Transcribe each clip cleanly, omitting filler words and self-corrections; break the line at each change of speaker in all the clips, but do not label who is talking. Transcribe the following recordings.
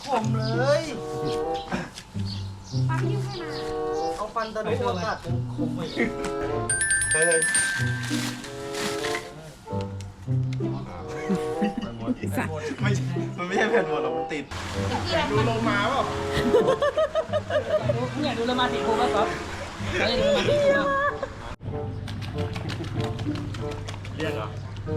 ผมเลยฟันยิ้มให้มาเอาฟันตะลุมากัดเป็นคมไปเฮ้ยไม่ใช่มันไม่ใช่แผ่นหมดหรอกมันติดดูโลมาเปล่า
อยากดูโลมาสีฟูป่ะก๊อฟอยากดูโลมาสีฟูป่ะ
เรียกเหรอ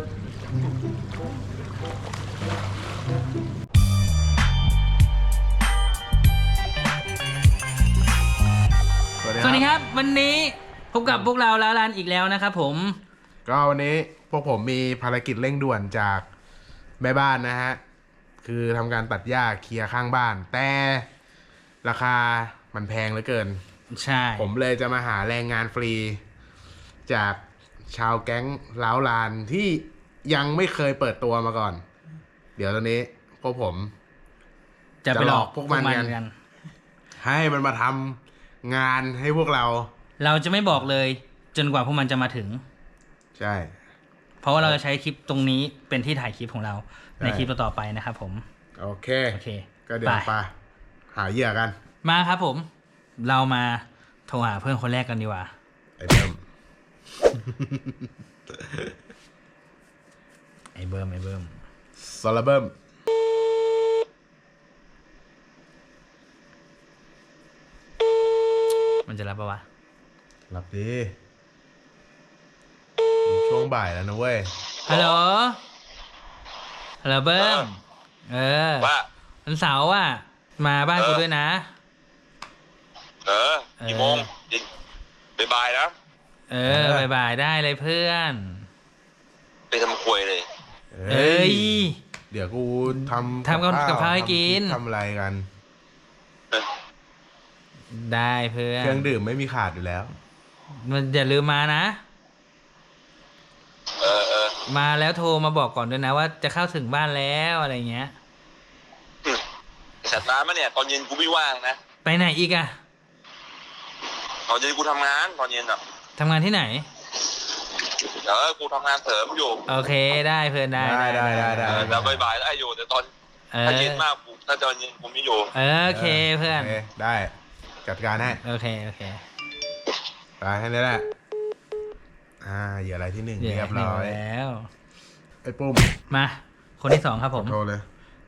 สวัสดีครับวันนี้พบกับพวกเราล้าลานอีกแล้วนะครับผม
ก็วันนี้พวกผมมีภารกิจเร่งด่วนจากแม่บ้านนะฮะคือทำการตัดหญ้าเคลียร์ข้างบ้านแต่ราคามันแพงเหลือเกิน
ใช่
ผมเลยจะมาหาแรงงานฟรีจากชาวแก๊งล้าวลานที่ยังไม่เคยเปิดตัวมาก่อนเดี๋ยวตอนนี้พวกผม
จะไปหลอก
พวกมันกันให้มันมาทำงานให้พวกเรา
จะไม่บอกเลยจนกว่าพวกมันจะมาถึง
ใช่
เพราะว่าเราจะใช้คลิปตรงนี้เป็นที่ถ่ายคลิปของเราในคลิปต่อไปนะครับผม
โอเคก็เดี๋ยวไปหาเหยื่อกัน
มาครับผมเรามาโทรหาเพื่อนคนแรกกันดีกว่า
ไอ้เบิ้ม
ไอ้เบิ้ม
ซอลเบิ้ม
มันจะรับปะวะ
รับดีช่วงบ่ายแล้วนะเว้ย
ฮัลโหลเบิ้มว่าวันเสาร์อ่ะมาบ้านกูด้วยนะ
กี่โมงบ่ายนะ
บ่ายได้เลยเพื่อน
ไปทำควยเลย
เดี๋ยวกูทำ
กับข้าวให้กิน
ทำอะไรกัน
ได้เพื่อน
เครื่องดื่มไม่มีขาดอยู่แล้ว
มันอย่าลืมมานะมาแล้วโทรมาบอกก่อนด้วยนะว่าจะเข้าถึงบ้านแล้วอะไรเงี้ย
สัตว์ร้านมาเนี่ยตอนเย็นกูไม่ว่างนะ
ไปไหนอีกอะ
ตอนเย็นกูทำงานตอนเย็นอ่ะ
ทำงานที่ไหน
กูทำงานเสริมอยู่
โอเคได้เพื่อนได้
แล้วบ่ายได้อยู่แต่ตอนถ้าเย็นมากถ้าตอนเย็นกูไม่อยู่
โอเคเพื่อน
ได้จัดการให้
โอเค
ไปให้นี่แหละเหยื่ออะไรที่หนึ่งเรียบร้อย
แล้ว
ไอ้ปุ้ม
มาคนที่สองครับผม
โทรเลย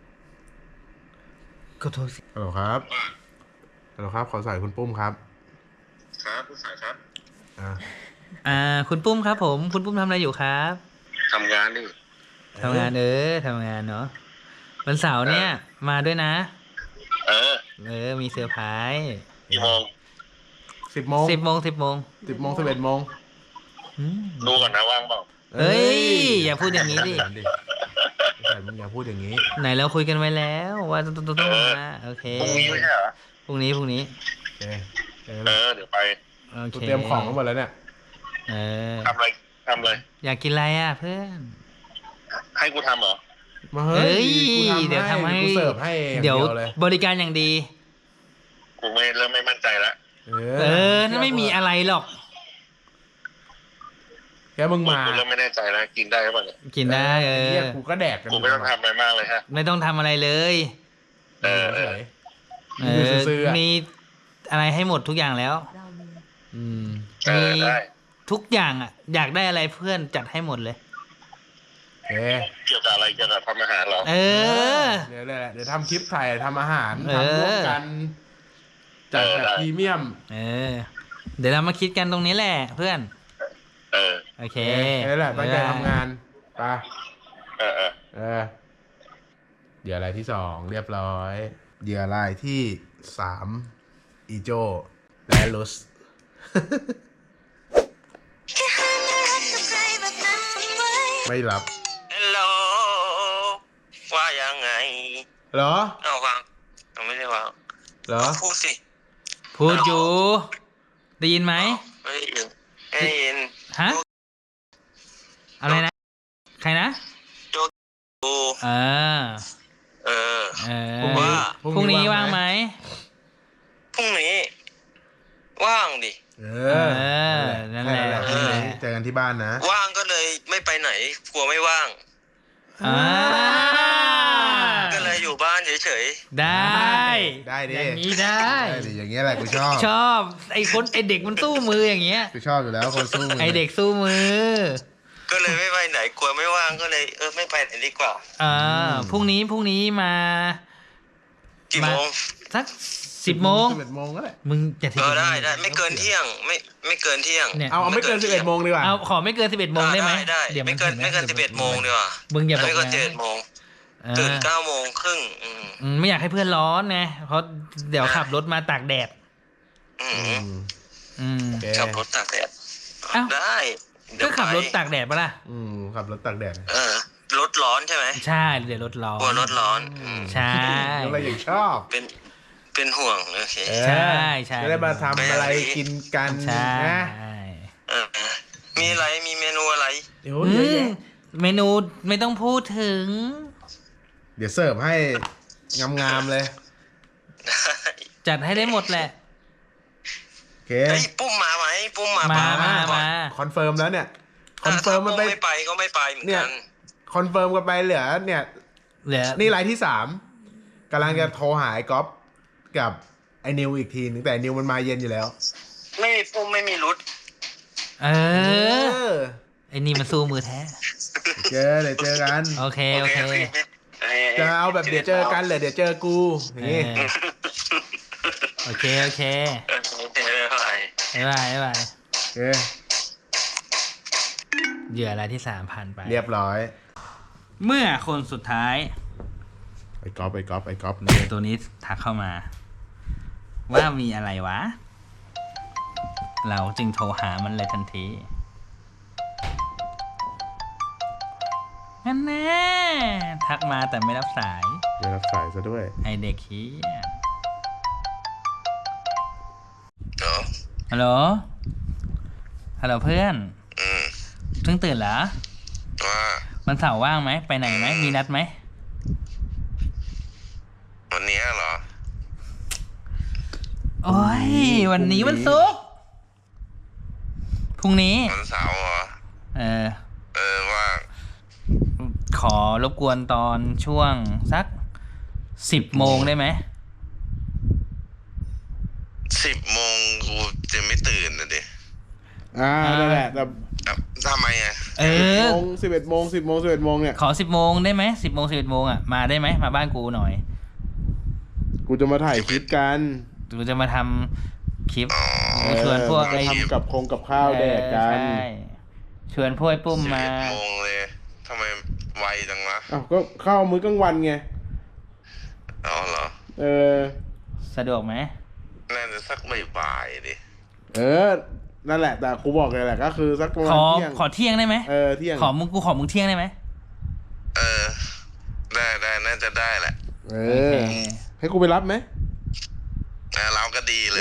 ก็โทรสิ
ฮัลโหลครับขอสายคุณปุ้มครับ
ผู้สายครับ
คุณปุ้มครับผมคุณปุ้มทำอะไรอยู่ครับ
ทำงานนี่
ทำงานเนาะวันเสาร์เนี่ยมาด้วยนะมีเซอร์ไพรส์
กี่โมง
10 โมง
11 โมง
ดูก่อนนะว่างเปล่า
อย่าพูดอย่างนี้ดิ
มึงอย่าพูดอย่างนี้
ไหนเราคุยกันไว้แล้วว่าต้องมาโอเค
พรุ่งนี้ไม่ใช่เหรอ
พรุ่งนี้
โอเค
เดี๋ยวไป
เตรียมของทั้งหมดแล้วเนี่ย
ทำอะไร
อยากกินอะไรอ่ะเพื่อน
ให้กูทำเหรอ
เดี๋ยวทำให้
กูเสิร์ฟให้
เดี๋ยวบริการอย่างดี
กูเริ่มไม่มั่นใจแล้ว
นั่นไม่มีอะไรหรอก
แค่มึงมา
กูเริ่มไม่แน่ใจแล้วกินได้หรือเปล่าเนี่ย
กินได้
กูก็แดกกัน
กูไม่ต้องทำอะไรมากเลยฮะ
ไม่ต้องทำอะไรเลยมีอะไรให้หมดทุกอย่างแล้ว
ได้
ทุกอย่างอ่ะอยากได้อะไรเพื่อนจัดให้หมดเลย
เกี่ยวกับอะไรเกี่ยวกับทำอาหารเหรอ
เดี๋ยวทำคลิปถ่ายทำอาหารทำร่วมกันจัดแบบพรีเมียม
เดี๋ยวเรามาคิดกันตรงนี้แหละเพื่อนโอเค
นี่แหละตั้งใจทำงานไปเหยื่อรายที่2เรียบร้อยเหยื่อรายที่3อีโจและลุสไม่รับ
ฮัลโหลว่ายังไง
เหรอ
วางไม่ได้วาง
เหรอ
พูดสิ
พูดอยู่ได้ยินไหม
ไม่ได้ยิน
ฮะอะไรนะใครนะ
โจ
พรุ่งนี้ว่างไหม
พรุ่งนี้ว่างดิ
นั่นแหละ
เจอกันที่บ้านนะ
ว่างก็เลยไม่ไปไหนกลัวไม่ว่างก็เลยอยู่บ้านเฉย
ได้
ได้ดิ
อย่างนี้ได้
ได้ดิอย่างเงี้ยแหละกูชอบ
ชอบไอ้เด็กมันสู้มืออย่างเงี้ย
กูชอบอยู่แล้วคนสู้มือ
ไอ้เด็กสู้มือ
ก็เลยไม่ไปไหนกลัวไม่ว่างก็เลยไม่ไปไหนดีกว่า
พรุ่งนี้มา
กี่โมง
สัก10 โมง
11 โมงก็ได้
มึงจะทิ้ง
ได้ไม่เกินเที่ยงไม่เกินเที่ยง
เนี่ย
เอาไม่เกิน 11 โมงดีกว่า
เอาขอไม่เกิน11 โมงได้ไหม
ได้
เดี๋ยว
ไม่เกิน
ถึงะ
11 โมงดีกว่า
มึงอย่าบอก
ไม่เกิน
นะ
11 โมง
เออ
ตื่น9 โมงครึ่ง
ไม่อยากให้เพื่อนร้อนไงเพราะเดี๋ยวขับรถมาตากแดด
โอเค
ขับรถตากแดด
อ้าว
ได้เดี๋
ก็
ยว
ขับรถ
ไป
ตากแดดปะล่ะ
ขับรถตากแดด
รถร้อนใช่ไหม
ใช่เดี๋ยวรถร้อน
กลัวรถร้อน
ใช่
อะไรอย่างชอบ
เป็นห่วงโอเค
ใช่ใช่
จะได้มาทำอะไรกินกัน
ใช่
นะ
มีอะไรมีเมนูอะไร
เดี๋ยวเยอะแยะ
เมนูไม่ต้องพูดถึง
เดี๋ยวเสิร์ฟให้งามๆเลย
จัดให้ได้หมดแหละ
โอเค
เฮ้ยปุ้มมาไหมปุ้มมา
มา
ป่ะ
มา
คอนเฟิร์มแล้วเนี่ยคอนเฟิร์มมันไป
ถ้าปุ้ไม่ไปก็ไม่ไปเหมือน
เนี่ย
กัน
คอนเฟิร์มกันไปเหลือเนี่ย
เหลือ
นี่รายที่3กำลังจะโทรหาไอ้ก๊อฟกับไอ้นิวอีกทีนึงแต่นิวมันมาเย็นอยู่แล้ว
ไม่มีปุ้มไม่มีรุด
เออไอ้นี่มันสู้มือแท้
เดี๋ยวเจอกัน
โอเคโอเค
จะเอาแบบเดี๋ยวเจอกันเลยเดี๋ยวเจอกูอย่างงี้
โอเคโอเค
ไม่เป็นไร
บ๊ายบายบ๊ายบาย
โอเค
เหยื่อรายที่3ผ่านไป
เรียบร้อย
เมื่อคนสุดท้าย
ไอ้ก๊อฟ
เหยื่อตัวนี้ทักเข้ามา ว่ามีอะไรวะ เราจึงโทรหามันเลยทันทีนั่นแน่ทักมาแต่ไม่รับสาย
ไม่รับสายซะด้วย
ไอเด็กขี้ย
เดี๋ยว
ฮัลโหลฮัลโหลเพื่อนเพิ่งตื่นเหรอ
ว่า
วันเสาร์ว่างไหมไปไหนไหมมีนัดไหม
วันนี้เหรอ
โอ้ยวันนี้วันศุกร์พรุ่งนี้
วันเสาร์เหรอ ว่า
ขอรบกวนตอนช่วงสัก10 โมงได้ไหม
10 โมงกูจะไม่ตื่นนะดิ
นั่นแหละแต่
ทำไมอ่ะ
11 โมงเนี่ย
ขอ10 โมงได้ไหม10 โมง11 โมงอ่ะมาได้ไหมมาบ้านกูหน่อย
กูจะมาถ่ายคลิปกัน
กูจะมาทำคลิปชวนพวกไอ้
ทำกับข้าวแดกกัน
ใช่ชวนพวกไอ้ปุ้มมา
11 โมงเลยทำไมไวจังวะ
อ้าวก็ข้าวมื้อกลางวันไง
อ๋อเหรอ
สะดวกไหม
น่าจะสักบ่ายๆดิ
นั่นแหละแต่กูบอกเลยแหละก็คือสักประมาณเที่ยง
ขอเที่ยงได้ไหม
เที่ยง
ขอมึงเที่ยงได้ไหม
ได้น่าจะได้แหละ
โอเค
ให้กูไปรับไหม
เราก็ดีเลย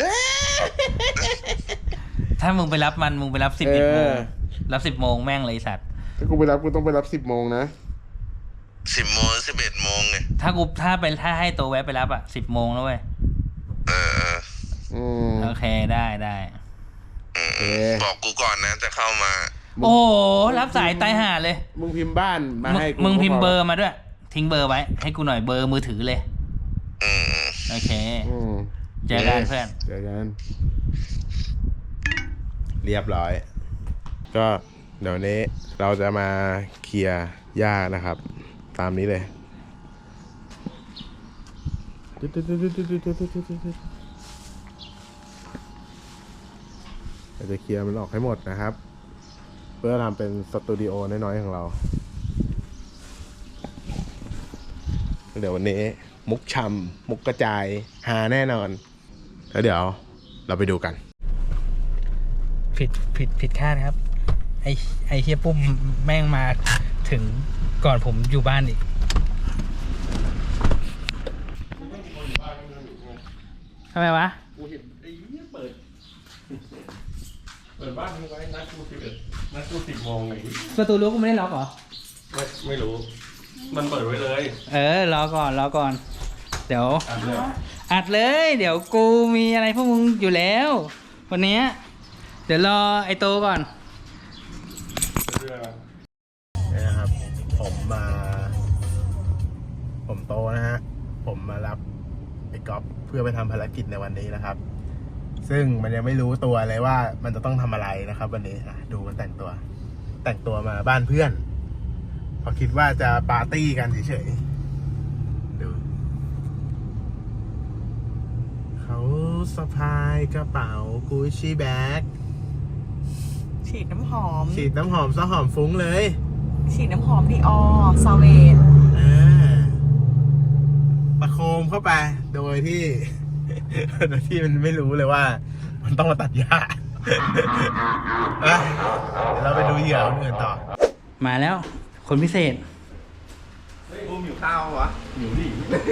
ถ้ามึงไปรับมึงไปรับ11 โมงรับ10 โมงแม่งเลยไอ้สัตว์
ถ้ากูไปรับกูต้องไปรับ10 โมงนะ
10 โมง 11 โมงไง
ถ้าให้ตัวแวะไปรับอ่ะ10 โมงแล้วเว้ย โอเคได้
บอกกูก่อนนะจะเข้ามา
โอ้โหรับสายตายห่าเลย
มึงพิมพ์บ้านมาให้กู
มึงพิมพ์เบอร์มาด้วย ทิ้งเบอร์ไว้ ให้กูหน่อยเบอร์มือถือเลยโอเคเจอกันเพื่อน
เจอกัน เรียบร้อย ก็เดี๋ยวนี้เราจะมาเคลียร์หญ้านะครับ ตามนี้เลยเราจะเคลียร์มันออกให้หมดนะครับ เพื่อทำเป็นสตูดิโอน้อยๆของเรา เดี๋ยววันนี้มุกชำมุกกระจายหาแน่นอน แล้วเดี๋ยวเราไปดูกัน
ผิดคาดครับ ไอเฮียปุ้มแม่งมาถึงก่อนผมอยู่บ้านอีกทำไมวะ
กูเห็นไอ้เหี้ยเปิดบ้านมึงไว้นัดกู10 โมงไง
ประตูรั้วกูไม่ได้ล็อกเหรอ
ไม่รู้ มันเปิดไว้เลย
รอก่อน เดี๋ยวอัดเลย เดี๋ยวกูมีอะไรพวกมึงอยู่แล้ว วันนี้เดี๋ยวรอไอโตก่อน
นี่นะครับ ผมโตนะฮะ ผมมารับไอ้ก๊อฟเพื่อไปทำภารกิจในวันนี้นะครับ ซึ่งมันยังไม่รู้ตัวเลยว่ามันจะต้องทำอะไรนะครับ วันนี้ดูมันแต่งตัวมาบ้านเพื่อนเพอคิดว่าจะปาร์ตี้กันเฉยๆดูเขาสะพายกระเป๋ากุชชี่แบ็ค
ฉีดน้ำหอม
ฉีดน้ำหอมซะหอมฟุ้งเลย
ฉีดน้ำหอมดีออซาเวต
ประโคมเข้าไปโดยที่ โดยที่มันไม่รู้เลยว่า มันต้องมาตัดหญ้า อ่ะเดี๋ยวเราไปดูเหยื่อคนอื่นต่อ
มาแล้ว คนพิเศษ
กูหิวข้าววะหิวดิ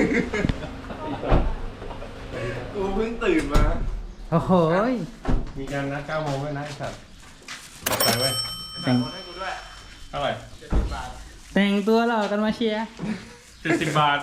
กูเพิ่งตื่นมา
โอ้โหย
มีการนัด9 โมงด้วยนะไอ้สัตว์ไปเว้ย
แต่ง
ให้กูด้วย
เท่าไหร่
70 บาท
แต่งตัวหล่อกันมาเชียร์
70 บาท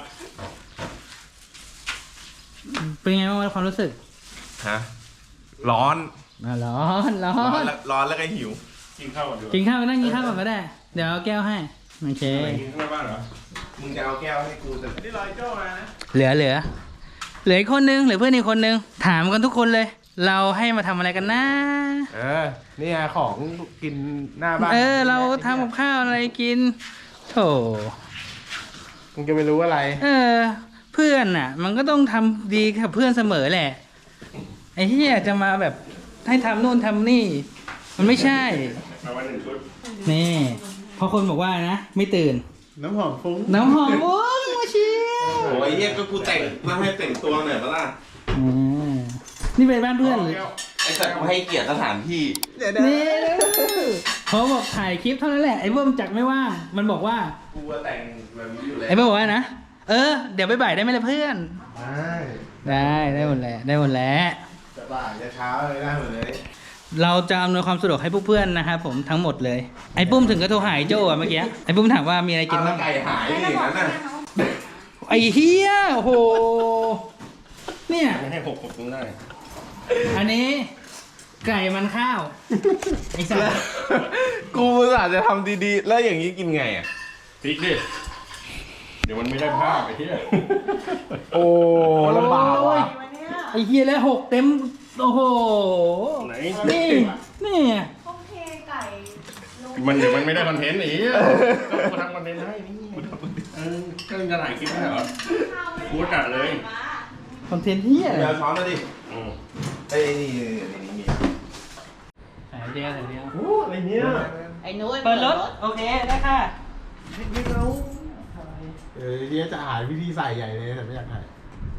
เป็นไงบ้างความรู้สึก
ฮะร้อน
ร้อนร้อ
ร้อน
น
แล้วร้อนแล้วก็หิว
กินข้าวก่อนดีกว่า
กินข้าวไปนั่งกินข้าวก่อนก็ได้ เดี๋ยวเอาแก้วให้ โอเค
อะไรกินข้างในบ้านเหรอ
มึงจะเอาแก้วให้กูแต่
นี่ลอยโจ้มานะ
เหลืออีกคนนึงเหลือเพื่อนอีกคนนึง ถามกันทุกคนเลย เราให้มาทำอะไรกันนะ
นี่ไงของกินหน้าบ้าน
เราทำกับข้าวอะไรกินโถ
มึงจะไม่รู้อะไร
เพื่อนน่ะ มันก็ต้องทำดีกับเพื่อนเสมอแหละ ไอ้เหี้ยจะมาแบบให้ทำนู่นทำนี่ มันไม่ใช่
มาวัน1 ชุด
นี่เพราะคนบอกว่านะ ไม่ตื่น
น้ำหอมฟุ้ง
น้ำหอมโอ้ยมาเชียร์
โอ้ยเฮียก็กูแต่งมาให้แต่งตัวหน่อยปะล่ะ
นี่เป็นบ้านเพื่อนหรือ
ไอ้สัตว์กูให้เกียรติสถานที่
นี่เขาบอกถ่ายคลิปเท่านั้นแหละไอ้เบิ้มจักไม่ว่างมันบอกว่า
กูว่าแต่งแบบนี้อยู่แล้ว
ไอ้เบิ้มบอกว่านะเดี๋ยวบ่ายๆได้ไหมล่ะเพื่อน ได้หมดแหละได้หมดแล้ว
จะบ่ายจะเช้าเลยได้หมดเลย
เราจะอำนวยความสะดวกให้พวกเพื่อนนะครับผมทั้งหมดเลย ไอ้ปุ้มถึงก็โทรหาไอ้โจ้อะเมื่อกี้ไอ้ปุ้มถามว่ามีอะไรกิน
เอา
บ้าง
ไก่หายดิอย่างนั้นน่ะ
ไอ้เฮียโอ้โหเนี่ย
ไม่ให้6ตรงได้
อันนี้ไก่มันข้าวไอ้สัส
กูอุตส่าห์จะทำดีๆ แล้วอย่างนี้กินไงอ่ะ
พริกดิ เดี๋ยวมันไม่ได้ภาพไอ้เหี้ย
โอ้ลำบากว่ะ
ไอ้เฮียแล้ว6 เต็มโอ้โห
ไหน
นี่
ต้องเทไก่ลง
มันเดี๋ยวมันไม่ได้คอนเทนต์ไอ้เหี้ยก็กูทำคอนเทนต์ให้นี่ก็จะถ่ายคลิปไม่ใช่เหรอ กูจัดเลย
คอนเทนต์เฮีย
เดี๋ยวช้อนมาดิ
อืม
เอ้ยนี่มี
ใส่เดียว
โอ้อะไรเนี่ย
ไอ้นุ้ย
เปิดรถโอเคได้ค่ะ
ไม่เอาเดี๋ยวจะหาวิธีใส่ใหญ่เลยแต่ไม่อยากถ่าย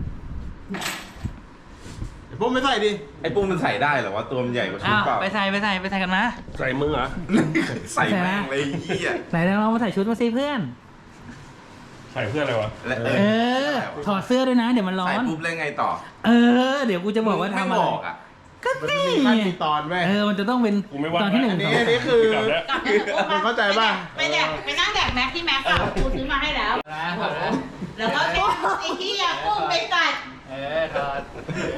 เดี๋ยวพวกไม่ใส่ดิ
ไอ้ปุ้มมันใส่ได้เหรอวะตัวมันใหญ่กว่าชุ
อ้า
ด
ว
เปล่า
ไปใส่กันมา
ใส่มือเหรอ
ใส่แม่งเลยไอ้เหี้ย
ไหนลองมาใส่ชุดมาสิเพื่อน
ใส่เพื่ออะไรวะ
และ
ถอดเสื้อด้วยนะเดี๋ยวมันร้อ
ใส่
น
ปุ๊บแล้วไงต่อ
เดี๋ยวกูจะบอกว่าทำ
ไม่
อะไร
บอกอ่ะ
ก็
มัน
นี่
มีขั้นมีตอนแม่
มันจะต้องเป็น
กูไม่ว่า
ตอนที่หนึ่ง
อัน
ส
นี้
อง
อันนี้คือ
กลับแล้ว
กลับแล้ว
มึงเข้าใจป่ะ
ไปแดกไปนั่งแดกแม็กที่แม็กกับกูซื้อมาให้แล้ว แล้วก็ไอ้ที่ยากุ้งไปกัด
ถอด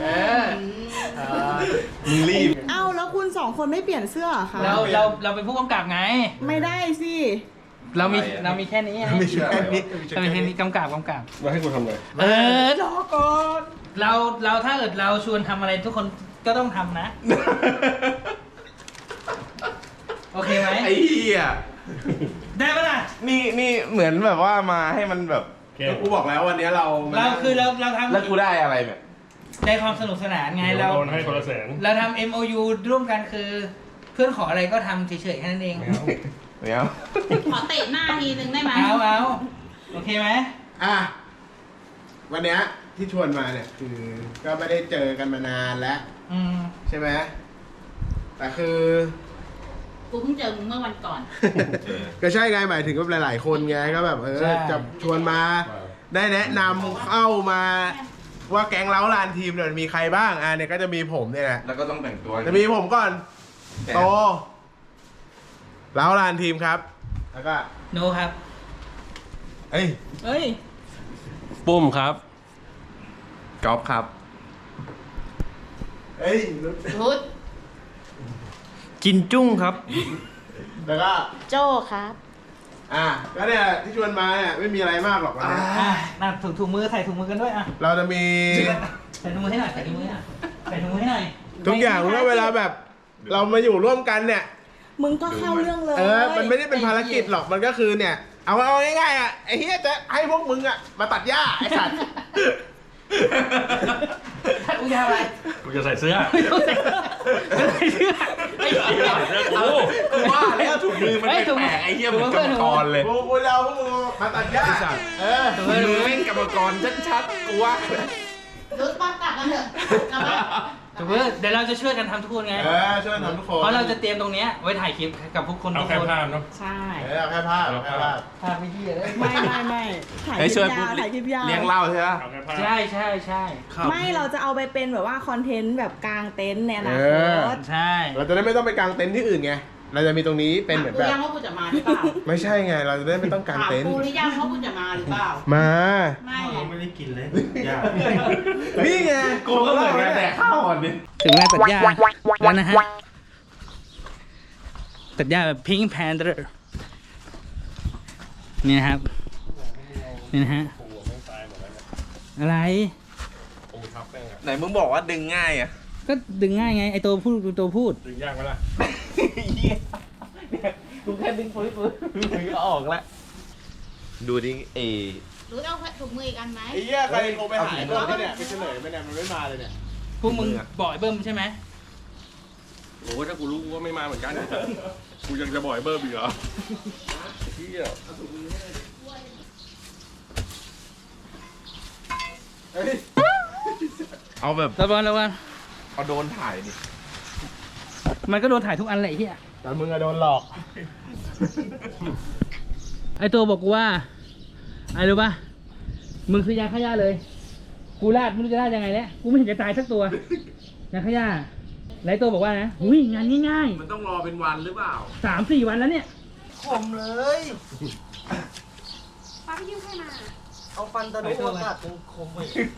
มึงรีบ
เอ้าแล้วคุณ2 คนไม่เปลี่ยนเสื้อเหรอคะ
เราเป็นผู้กำกับไง
ไม่ได้สิ
เรามีแค่นี้ไง
มีชุดแค่นี้
เรามีแค่นี้กำกับ
มาให้กูทำเลย
รอก่อนเราถ้าเกิดเราชวนทำอะไรทุกคนก็ต้องทำนะ โอเคไหม
ไอ้เหี้ย
ได้ปะล่ะ
นี่เหมือนแบบว่ามาให้มันแบบ
โอเค
กูบอกแล้ววันนี้เรา
เราคือเราทำ
แล้วกูได้อะไรแบบ
ในความสนุกสนานไง
เดี๋ยว
เรา
โดนให้คนละแสน
เราทำ MOU ร่วมกันคือ เพื่อนขออะไรก็ทำเฉยๆแค่นั้นเอง
ไม่เอา
ไม่เอา
ขอเตะหน้าทีนึงได้ไหม
เอาโอเคไหม
อ่ะวันเนี้ยที่ชวนมาเนี่ยคือก็ไม่ได้เจอกันมานานแล้ว
อืม
ใช่ไหมแต่คือ
กูเพิ่งเจอมึงเมื่อวันก่อน
ก็ใช่ไงหมายถึงก็หลายๆคนไงก็แบบจะชวนมาได้แนะนำเข้ามาว่าแก๊งเล้าลานทีมเนี่ยมีใครบ้างเนี่ยก็จะมีผมเนี่ยแหละ
แล้วก็ต้องแต่งตัว
จะมีผมก่อนโตเล้าลานทีมครับ แล้วก็
โนครับ
เอ้ย
เอ้ย
ปุ้มครับ
กอล์ฟครับ
เอ้ย
รุด
กินจุ้งครับ
แล้วก็
โจ้ครับ
ก็เนี่ยที่ชวนมาเนี่ยไม่มีอะไรมากหรอกวันนี้
น่ะถุงมือใส่ถุงมือกันด้วยอ่ะ
เราจะมี
ใส่ถุงมือให้หน่อยใส่ถุงมืออ่ะใส่ถุงมือให้หน่อย
ทุกอย่างเมื่อเวลาแบบ เรามาอยู่ร่วมกันเนี่ย
มึงก็เข้าเรื่องเลย
มันไม่ได้เป็นภารกิจหรอกมันก็คือเนี่ย เอาง่ายๆอ่ะไอ้เฮียจะให้พวกมึงอ่ะมาตัดหญ้าไอ้สัตว์
กูจะอะไร
กูจะใส่เสื้อ
ไม่ใส่เสื้อไอ้เหี้ย
กูว่าแล้วถุงมือมันแปลกไอ้เหี้ยเหมือนกรรมกรเลย
กูจะเอาพวกมึงมาตัดหญ้า
ถุงมือแม่งกรรมกรชัดๆกูว่า
รู้ป้ากลับกันเถอะกลับมา
ถุงมือเดี๋ยวเราจะช่วยกันทำทุกคนไง
ช่วยทำทุกคน
เพราะเราจะเตรียมตรงเนี้ยไว้ถ่ายคลิปกับทุกคน
เอา
ทุก
แค่
คน
ภาพเนาะ
ใช่
เอาแค่ภาพเอาแค่ภาพ
ภาพไม่ดีเลย
ไม่ถ่ายค
เฮ้ย
ลิ
ช่วย
ปยาวถ่ายคลิปยาว
เลี้ยงเหล้าใช่ไหม
เอาแค่ภาพ
ใช่ใช่ใช่
ไม่เราจะเอาไปเป็นแบบว่าคอนเทนต์แบบกลางเต็นท์ในอนาคต
ใช่
เราจะได้ไม่ต้องไปกางเต็นท์ที่อื่นไง เราจะมีตรงนี้เป็นเหมือน
กู
แบบ
ยังว่ากูจะมาหรือเปล่า
ไม่ใช่ไง เราจะได้ไม่ต้องกาง
ถาม
เต็นท์
กูหรือยังว่ากูจะมาหรือเปล่า
มา
ไม่ไง
ไม่ได้กินเลยยาก
นี่ไง
กูก็เหมือนกันแต่ข้าวอ่อนดิ
ถึงเวลาตัดหญ้าแล้วนะฮะตัดหญ้าแบบพิงค์แพนเดอร์นี่นะครับนี่นะฮะอะไร
ไหนมึงบอกว่าดึงง่ายอ่ะ
ก็ดึงง่ายไงไอตัวพูดตัวพูด
ดึงยากไหมล่ะ
กูแค่ดึงฟื้นมึงก็ออกแล้วดูดิ
รู้เอาถุงมืออีกอันไหม
ไอ้เหี้ยใครโทรไปหาไอ้เบิ้มที่เนี่ยไปเฉลยไหมเนี่ยมันไม่มาเลยเนี่ย
พวกมึงบอกไอ้เบิ้มใช่ไหม
โอ้ถ้ากูรู้กูก็ไม่มาเหมือนกันกูยังจะบ่อยเบอร์บีกเหรอเฮีย
เอาแบบ
ระวังระวัง
เอาโดนถ่ายดิ
มันก็โดนถ่ายทุกอันแหละไอ้เหี้ย
แต่มึงอะโดนหลอก
ไอตัวบอกกูว่าไอ้รู้ป่ะมึงคือยาฆ่าหญ้าเลย กูลาดไม่รู้จะลาดยังไงแล้วกูไม่เห็นจะตายสักตัวยาฆ่าหญ้าแล้วไอ้ตัวบอกว่านะอุ้ยงานง่าย
มันต้องรอเป็นวันหรือเปล่า
ๆ3-4 วันแล้วเนี่ย
ขมเลย
ป้าพี่ยิ้มให้มา
เอาฟันตะลุอากาศจนคมไป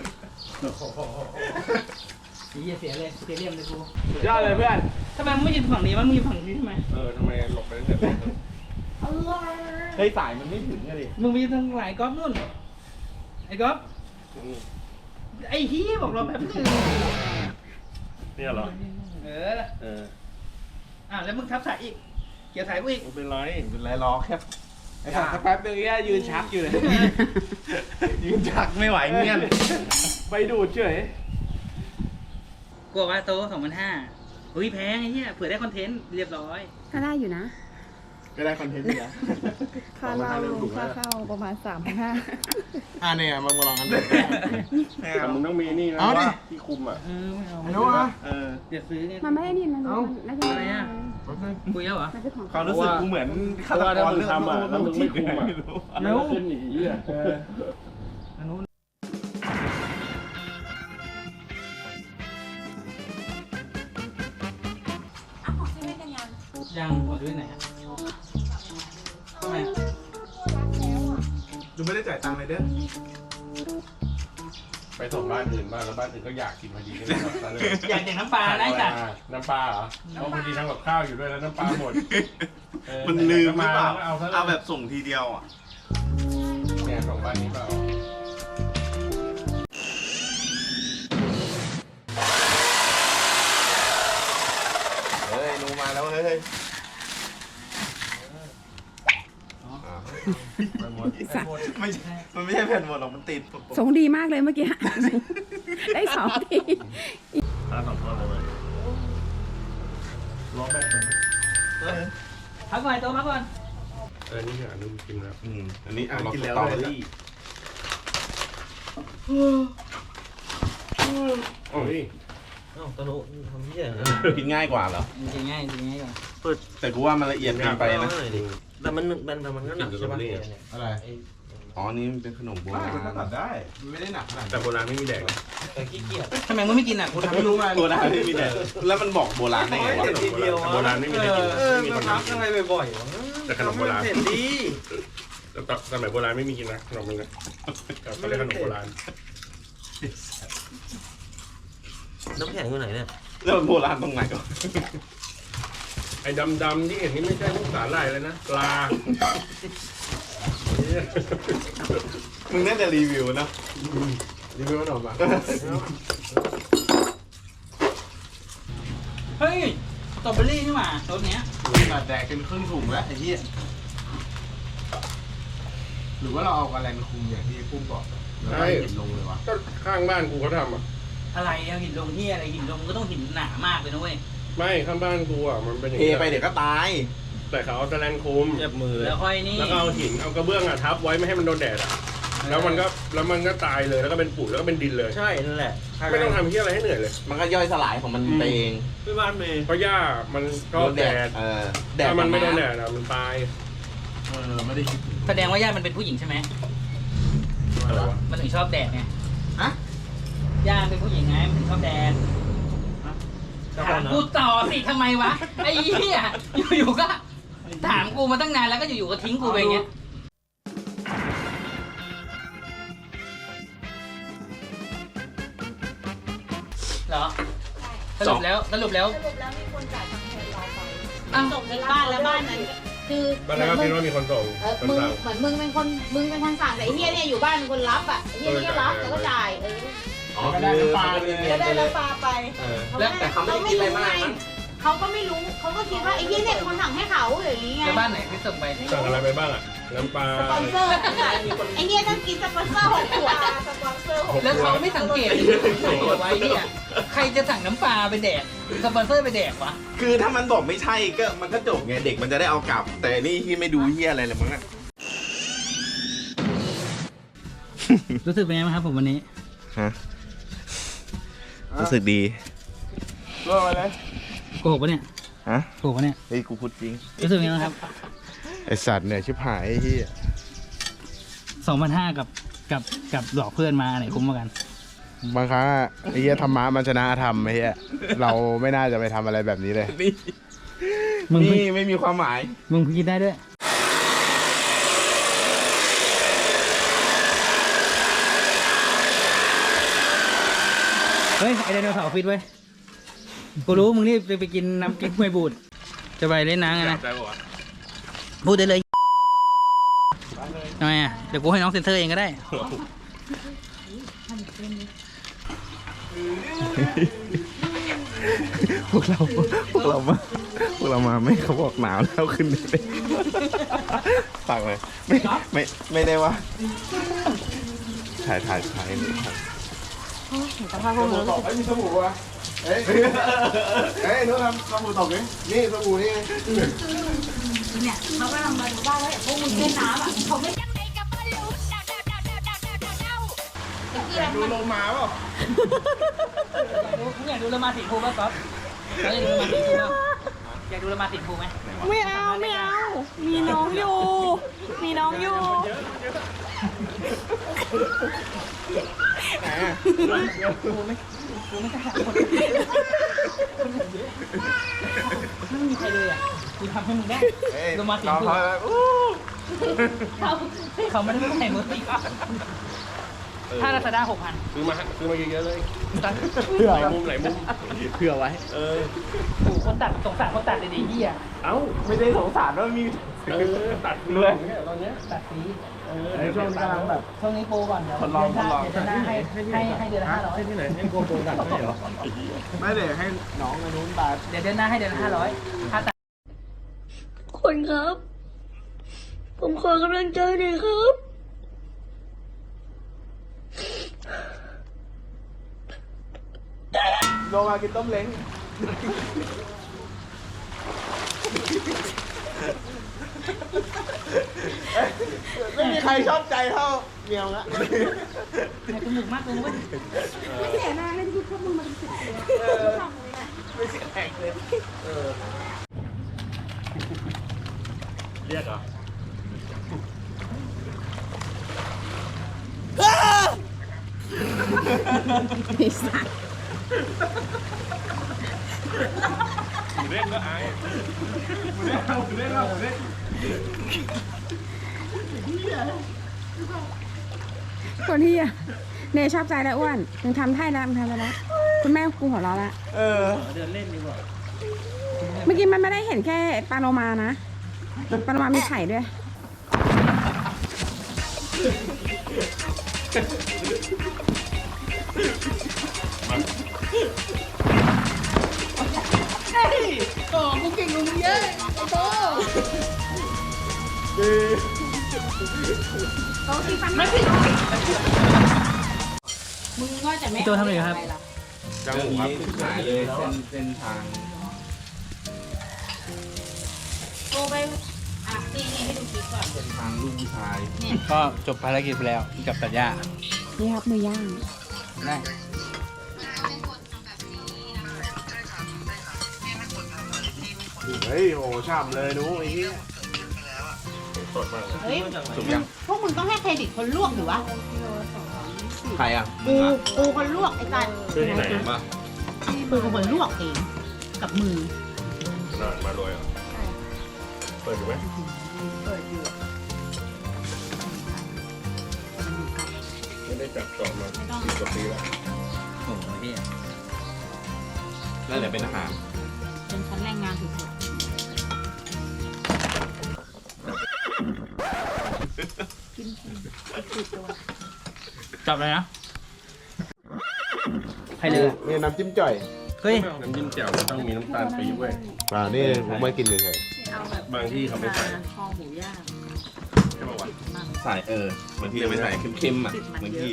เสียเลยเสียเรียมเลยกู
สุดยอดเลยเพื่อน
ทำไมมึงไม่ยืนฝั่งนี้วะมึงยืนฝั่งนี้ทำไม
ทำไมหลบไปตั้งแต่ต้น
เฮ้ยสายมันไม่ถึงอะดิ
มึงไปยืนทางไหนก๊อฟนู่นไอ้ก๊อฟไอ้ฮียบอกเราแบบนึง
เนี่ยเหรอ
เออแล้วมึงทับสายอีกเกี่ยวสายกูอีก
ไม่เป็นไร
เป็นไรล้อแค่
ไอ้สัตว์สักแป๊บนึงเนี่ยยืนชักอยู่เลย
ยืนจักไม่ไหวเงี้ย
ไปดูดเฉย
กูบอกว่าโต๊ะ2,500อุ้ยแพงไอ้เหี้ยเผื่อได้คอนเทนต์เรียบร้อย
ก็ได้อยู่นะ
ก็ได้คอนเทนต์อยู่นะ
ค่าเหล้าค่าเข้าประมาณ3,500
เนี่ยมึงมาลองกันดู
แต่มึงต้องมีนี่นะ
เอาดิ
ที่คุมอ่ะ
ไม่เอา
ไม่รู้อ่ะ
เดี๋ยวซื้อเนี่ย
มันไม่ได้นี่มันน่าจะ
อะไรอ่ะคุยแล้วเหรอ
มันเป็นของ
ความรู้สึกกูเหมือนฆาต
ถ้าก
ร
มึงทำอ่ะแล้วมึงไม่คุมอ่ะ
เร็ว
ขึ้นอีกเหี้ย
อันนู้นยังขอด้วยไหนอ่ะทำไม
ดูไม่ได้จ่ายตังค์เลยเด้อ
ไปส่งบ้านอื่นบ้างแล้วบ้านอื่นก็อยากกินพอดีก็เลยแบบเลย
อยากเด็กน้ำปลานะไอ้สัตว์
น้ำปลาเหรอเพราะพอดีทำกับข้าวอยู่ด้วยแล้วน้ำปลาหมด
มันลืมหรือเปล่า
เอาซะ
เอาแบบส่งทีเดียวอ่ะ
เนี่ยส่งบ้านนี้เปล่า
เฮ้ยนูมาแล้วเฮ้ย ไม่ใช่มันไม่ใช่แผ่นหมดหรอกมันติด
ทรงดีมากเลยเมื่อกี้ ได้2 ที
ถ้าสองคนเลยล้อแบกมัน
พักก่อนโต๊ะพักก่อน
นี่คืออันนึงกินแล้ว
อันนี้อ่าน
กินแล้ว
สตรอ
เล
เบอย รี่
โอ้ย
เอ้าตะลุทำเหี้ย
กินง่ายกว่าเหรอ
จริงง่ายจริงง่ายก่อน
แต่กูว่ามันละเอียดเกินไปนะ
แต่มันก็หนักใช่ปะ
อะไร
อ๋อ นี่มันเป็นขนมโบราณ
มันตัดได้มันไม่ได้หนักขนาด
แต่โบราณไม่มีแดกนะ
แต่ขี้เกียจ
ทำไมมึงไม่กินอ่ะกูทำ
ไม่
ให้รู้
รู้มา
โบราณไม่มีแต่แล้วมันบอกโบราณได้ไงวะ
เด็ดทีเดียว
โบราณไม่มีใครกิน ไม่มี
มา
คน
พัก
กิน
อะไรบ่อยๆวะ
แต่ขนมโบราณ
เสร็จดี
แต่สมัยโบราณไม่มีกินนะขนมนึงนะเขาเรียกขนมโบราณ
น้ำแข็งอยู่ไหนเนี่ย
แล้วมันโบราณตรงไหนวะ
ไอ้ดำๆที่เห็นนี่ไม่ใช่พวกสาหร่ายเลยนะปลา
มึงน่าจะรีวิวนะ
รีวิวขนมอ่ะ
เฮ้ยสตรอเบอรี่นี่หว่ารสเนี้ย
มาแดกเป็นครึ่งถุงแล้วไอ้เหี้ยหรือว่าเราเอากระแลนคุมอย่างที่ปุ้มบอกแล้วก็หินลงเลยวะ
ก็ข้างบ้านกูเขาทำอ่ะ
อะไรเอาหินลงที่อะไรหินลงก็ต้องหินหนามากเลยนะเว้ย
ไม่ข้างบ้านกูอ่ะมันเป็นอย่าง
เท
นี้
ไปเดี๋ยวก็ตาย
แต่เขาเอาตะแลนคุม
เจ็บมือเลย
แล้วค่อยนี่
แล้วก็เอาหินเอากระเบื้องอ่ะทับไว้ไม่ให้มันโดนแดดอ่ะแล้วมันก็ตายเลยแล้วก็เป็นปุ๋ยแล้วก็เป็นดินเลย
ใช่นั่นแหละ
ไม่ต้องทำเหี้ยอะไรให้เหนื่อยเลย
มันก็ย่อยสลายของมันไปเอง
พี่บ้านเมย์
เพราะหญ้ามันก็แดด
แดด
ถ้ามันไม่โดนแดดอ่ะมันตาย
ไม่ได้คิดถึง
แสดงว่าญาติมันเป็นผู้หญิงใช่ไหม
อะไรวะ
มันถึงชอบแดดไง
ฮะ
ญาติเป็นผู้หญิงไงมันถึงชอบแดดถามกูต่อสิทำไมวะไอ้เหี้ยอยู่ๆก็ถามกูมาตั้งนานแล้วก็อยู่ๆก็ทิ้งกูไปอย่างเงี้ยเหรอสรุปแล้ว
สรุปแล้วมีคนจ่ายตังค์แทนเราไป
อ้าว
ส่งที่บ้านแล้วบ้านนั้นคือ
บ้านนั้นก็คิดว่ามีคนส่งคน
มึง
สั่ง
เหมือนมึงเป็นคนสั่งแต่ไอ้เฮียเนี่ยอยู่บ้านเป็นคนรับอ่ะไอ้เฮียนี่ก็รับแล้วก็จ่าย
ก็ได้น้ำปลาเลย
ก็ได้น้ำปลาไป
แล้ว
แต่เขาไม่ได้กินอะไรมากมั้ง
เขาก็ไม่รู้เขาก็คิดว่าไอ้เฮียเนี่ยเป็นคนสั่งให้เขาอย่างนี้ไง
แล้วบ้านไหนที่ส่งไป
สั่งอะไรไปบ้างอ่ะน้ำปลา
สปอนเซอร์
ไอ้เฮียต้องกินสปอนเซอร์6 ขวด
สปอนเซอร์
แล้วเขาไม่สังเกตใส่เอาไว้เนี่ยใครจะสั่งน้ำปลาไปแดกสปอนเซอร์ไปแดกวะ
คือถ้ามันบอกไม่ใช่ก็มันก็จบไงเด็กมันจะได้เอากลับ แต่นี่ที่ไม่ดูเฮียอะไรเลยมั้งอะ
รู้สึกเป็นไงบ้างครับผมวันนี้
ฮะรู้สึกดี
รอดไปเลย
โกหกปะเนี่ย
ฮะ
โกหกปะเนี่ย
เฮ้ยกูพูดจริง
รู้สึกยังไงบ้างครับ
ไอสัตว์เนี่ยชิบหายไอ้เหี้ย
2,500กับหลอกเพื่อนมาอันไหนคุ้มกว่ากัน
บางครั้งอะไอ้เหี้ยธรรมะมันชนะธรรมไอ้เหี้ยเราไม่น่าจะไปทำอะไรแบบนี้เลย
นี่
มึง
นี่ไม่มีความหมาย
มึงคิดได้ด้วย เฮ้ย ไอไดโนเสาร์ฟิตไว้ยกูรู้มึงนี่ไปกินน้ำกิ๊กมวยบูด จะไปเล่นน้ำไงนะ
ได้ปะวะ
พูดได้เลยทำไมอ่ะ เดี๋ยวกูให้น้องเซ็นเซอร์เองก็ได้
พวกเรามาไม่เขาบอกหนาวแล้วขึ้นเลยฝากเลยไม่ได้ว่าถ่ายเลย
สภาพพวกมึง
ตกไอ้มีสบู่วะเฮ้ยนู้นทำสบู่ตกนี่สบู่นี่ไง
เนี่ยเขาก็ทำมาดูบ้านแล้วพวกมึงเล่นน้ำอ่ะเขาไม่
ดูโลมาเปล่า
อยากดูละมาสีภูป่ะก๊อฟอยากดูละมาสีภูป่ะอยากดูละมาสีภูไหม
ไม่เอา มีน้องอยู่ มีน้องอยู่
ภูไม่กล้าหาคนไม่มีใครเลยอ่ะกูทำให้มึงได้ละมาสีภูเขาไม่ได้ใส่มือตีก็ถ้าลาซาด้า6,000
ซื้อมาเยอะๆเลยหลายมุมเผื่อไว้
โอ้คนตัดสงสารคนตัดเลยดิเหี้ย
เอ้า
ไม่ได้สงสารว่ามี
ตัดเลยตอนเนี้ย
ตัดสี
ในช่วงนี้กำลังแบบ
ช่วงนี้โปรก่อนเดี๋ยว
ทดลอง
เดือนหน้าให้เดือนละ500
ที่ไหนให้โกโปรตัดให้เหรอ
ไม่ได้ให้น้องไอ้นู้นตา
เดี๋ยวเดือนหน้าให้เดือนละ500ค่าตัด
คนครับ ผมขอกำลังใจหน่อยครับ
ลงมากินต้มเล้งไม่มีใครชอบใจเท่าเมียวละ
ให้จมูกมากเลยนะเว้ย
ไม่เสียหน้าเลยที่พวกมึงมาเป็นสิบเลย
ไม่เสียแรงเลย
เรียกเหรอ
มีสัตว์
เล่นก็อาย
คนที่อะเนยชอบใจแล้วอ้วนมึงทำให้แล้วคุณแม่กูหัวเราะละ
เดินเล่นดีกว่า
เมื่อกี้มันไม่ได้เห็นแค่ปลาโลมานะปลาโลมามีไข่ด้วย
โอ้กูเก่งกว่ามึงเยอะไอ้โต
โต๊ะที่ฟัน
ไม่ผิด
มึงก็จะไม่
พี่โตทำอะไรครับ
จังหวะ
หายเลยเส้นทาง
โตไปอ่ะนี่ให้ดูคลิปก่อน
เส้นทางลูกผู้ชาย
ก็จบภารกิจไปแล้วกับตัดหญ้า
นี่ครับมือย่าง
ได้
เฮ้ยโอ้ช่ำเลยนู้ไอ้เหี้ย
สดมากเลย
เฮ้ย
สุกยัง
พวกมึงต้องให้เครดิตคนลวกหรือวะ
ใครอ่ะ
กูคนลวกไอ้สัตว์
ซื้อที่ไหนมา
กูเป็นคนลวกเองกับมือ
ขนาดมาเลยอ่ะเปิดอยู่ไหม ไม่ได้จับจองมา10 กว่าปีแล้ว
โอ้โหเฮีย
แล้วเดี๋ยวเป็นอาหาร
เป็นชั้นแรงงานสุด
จับเลยนะใครเลย
นี่น้ำจิ้มจ่อย
เฮ้ย
น้ำจิ้มแจ่วมันต้องมีน้ำตาลปี๊บเว้ย
นี่ผมไม่กินเลย
บางที่เขาไม่ใส่
คอหมูย่าง
ใช่ป่าวะ
ใส่บางทีจะไปใส่เค็มๆอ่ะบางที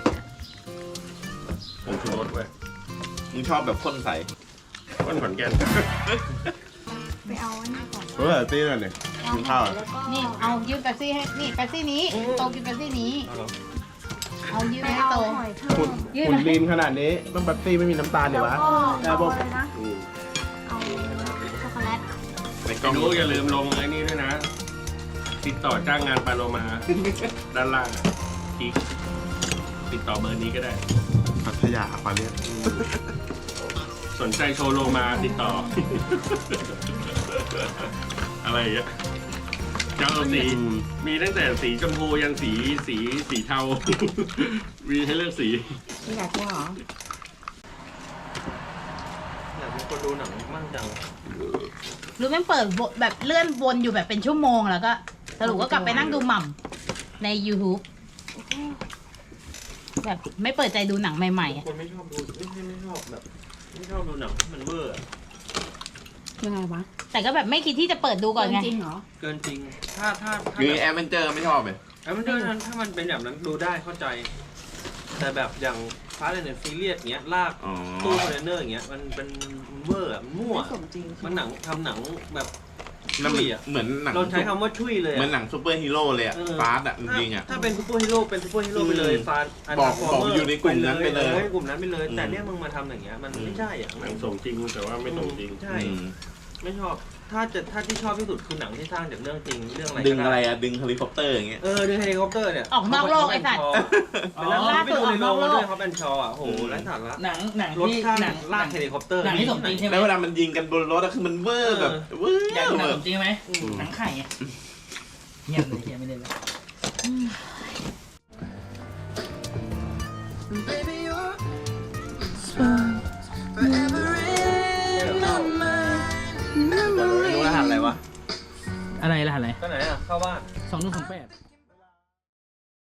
ผงชูรสเว้ย
มึงชอบแบบข้นใส
ก้นขอนแก่น
ไปเอาอันนี้ก่อน
เฮ้ยตีนั่นเนี่ยกินข้าว
นี่เอายืมแป๊บซี่ให้นี่แป๊บซี่นี้โตกินแป๊บซี่นี้ เอายืม
ไป
ให้
เอา
โต
หอยเพิ่ม
ยืม
หุ่นลีนขนาดนี้ต้องแบบตี้ไม่มีน้ำตาลเดี๋ยววะ
เอาอะไรนะ เอาช็อกโกแลต
ในกล่องลูกอย่าลืมลงไอ้นี่ด้วยนะ ติดต่อจ้างงานปาโลมา ด้านล่างอ่ะกิ๊กติดต่อเบอร์นี้ก็ได้
พัทยาปาเลียน
สนใจโชว์โลมาติดต่อ อะไรอย่างเงี้ยเจ้าสีมีตั้งแต่สีชมพูยันสีเทา มีให้เลือกสี
ไม่อยากกินเหรอ
อยากเป็นคนดูหนังมั่งจัง
หรือมันเปิดแบบเลื่อนวนอยู่แบบเป็นชั่วโมงแล้วก็สรุปก็กลับไปนั่งดูหม่ำใน YouTube แบบไม่เปิดใจดูหนังใหม่ๆอะ
คนไม่ชอบดูไม่ชอบแบบไม่ชอบดูหนังมันเวอร์อะ
ยังไงวะ
แต่ก็แบบไม่คิดที่จะเปิดดูก่อนไง
จริงเหรอ
เกินจริง ถ้า
คือแอดเวนเจอร์ไม่ชอบเลย
แล้วมันด้วยนั้นถ้ามันเป็นแบบนั้นดูได้เข้าใจ แต่แบบอย่างฟาสต์แอนด์ฟิเลียสเงี้ยลาก
อ๋อ
ตู้คอนเทนเนอร์อย่างเงี้ยมันเป็นเวอร์อะมันมั่ว
ไม่สมจริง
มันหนังทำหนังแบบ
นั่น
ชุยอะ
เหมือนหนัง
เราใช้คำว่าชุยเลย
เหมือน
อะ
หนังซูเปอร์ฮีโร่เลยอ่ะ
เออ
ฟาสต์อ่ะจริงๆอ่ะ
ถ้าเป็นซูเปอร์ฮีโร่เป็นซูเปอร์ฮีโร่ไปเลยฟาส
บอกอยู่ในกลุ่มนั้นไปเลย
กลุ่มนั้นไปเลย
อืม
แต่เนี่ยมึงมาทำอย่างเงี้ยมันไม่ใช่อ่ะ
หนังสมจริงแต่ว่าไม่สมจริง
ใช่
อืม
ไม่ชอบ ถ้าที่ชอบที่สุดคือหนังที่สร้างจากเรื่องจริงเรื่องอะไร
ดึง
ก็
อะไร
ได้
อ่ะ ดึงเฮลิคอปเตอร์อย่างเงี้ย
ดึงเฮลิคอปเตอร์เนี่ย
ออกนอกโลกไอ้สัตว์
เป็นล่าสุดออกนอกโลกด้วยเขาเป็นชออ่ะโหไร้สาระ
หนัง
รถ
ที่
ข้าง
หนัง
ลากเฮลิคอปเตอร์
หนังที่สมจริงใช่ไหม
แล้วเวลามันยิงกันบนรถอะคือมันเวอร์แบบเวอร์
อยากดูหนัง
แบ
ส
บ
มจริงไหมหนังไข่อะเงียบเลยเงียบไม่ได้เลย
ดูรหัสอะไรวะ
อะไรล่ะอะไร
ก็ไหนอ่ะเข้าบ้าน
2128